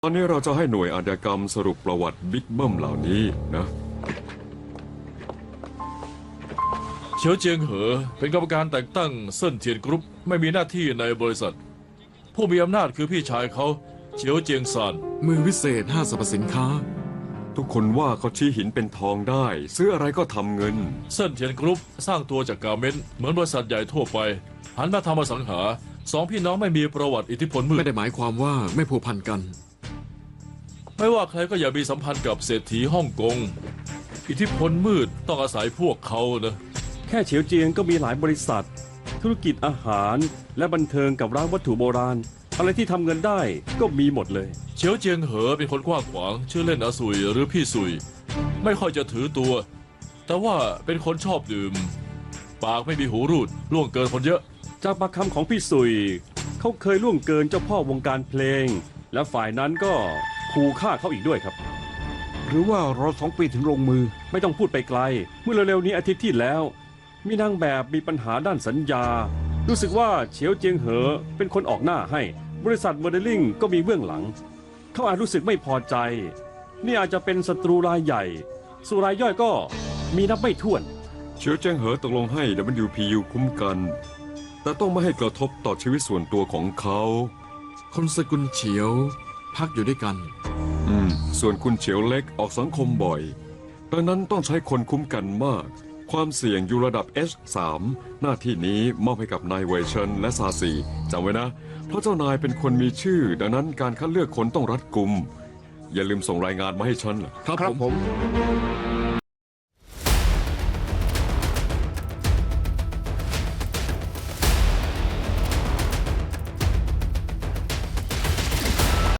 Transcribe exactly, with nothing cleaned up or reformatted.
ตอนนี้เราจะให้หน่วยอาชญากรรมสรุปประวัติบิ๊กเบิ้มเหล่านี้นะเฉียวเจียงเหอเป็นกรรมการแต่งตั้งเซินเทียนกรุ๊ปไม่มีหน้าที่ในบริษัท ผู้มีอำนาจคือพี่ชายเขาเฉียวเจียงซานมือวิเศษห้างสรรพสินค้าทุกคนว่าเขาชี้หินเป็นทองได้ ซื้ออะไรก็ทำเงินเซินเทียนกรุ๊ปสร้างตัวจากกาเมนต์เหมือนบริษัทใหญ่ทั่วไปหันมาทำอสังหาสองพี่น้องไม่มีประวัติอิทธิพลมืไม่ดได้หมายความว่าไม่ผูกพันกันไม่ว่าใครก็อย่ามีสัมพันธ์กับเศรษฐีฮ่องกงอิทธิพลมืดต้องอาศัยพวกเขานะแค่เฉียวเจียงก็มีหลายบริษัท ธุรกิจอาหารและบันเทิงกับร้านวัตถุโบราณ อะไรที่ทำเงินได้ก็มีหมดเลยเฉียวเจียงเหอเป็นคนกว้างขวางชื่อเล่นอาสุยหรือพี่สุย ไม่ค่อยจะถือตัว แต่ว่าเป็นคนชอบดื่ม ปากไม่มีหูรูดล่วงเกินคนเยอะจากปากคำของพี่สุย เขาเคยล่วงเกินเจ้าพ่อวงการเพลง และฝ่ายนั้นก็ขู่ฆ่าเขาอีกด้วยครับหรือว่ารอสองปีถึงลงมือไม่ต้องพูดไปไกล เมื่อเร็วๆนี้อาทิตย์ที่แล้ว มีนางแบบมีปัญหาด้านสัญญา รู้สึกว่าเฉียวเจียงเหอเป็นคนออกหน้าให้ บริษัทโมเดลลิ่งก็มีเบื้องหลัง เขาอาจรู้สึกไม่พอใจ นี่อาจจะเป็นศัตรูรายใหญ่ส่วนรายย่อยก็มีนับไม่ถ้วนเฉียวเจิ้งเหอตกลงให้ ดับเบิลยู พี ยู คุ้มกัน แต่ต้องไม่ให้กระทบต่อชีวิตส่วนตัวของเขาคนสกุลเฉียว พักอยู่ด้วยกันอืม ส่วนคุณเฉียวเล็กออกสังคมบ่อย ดังนั้นต้องใช้คนคุ้มกันมาก ความเสี่ยงอยู่ระดับ เอช สาม หน้าที่นี้มอบให้กับนายเวเชนและซาซีจำไว้นะ เพราะเจ้านายเป็นคนมีชื่อ ดังนั้นการคัดเลือกคนต้องรัดกุม อย่าลืมส่งรายงานมาให้ฉันล่ะครับครับผมผม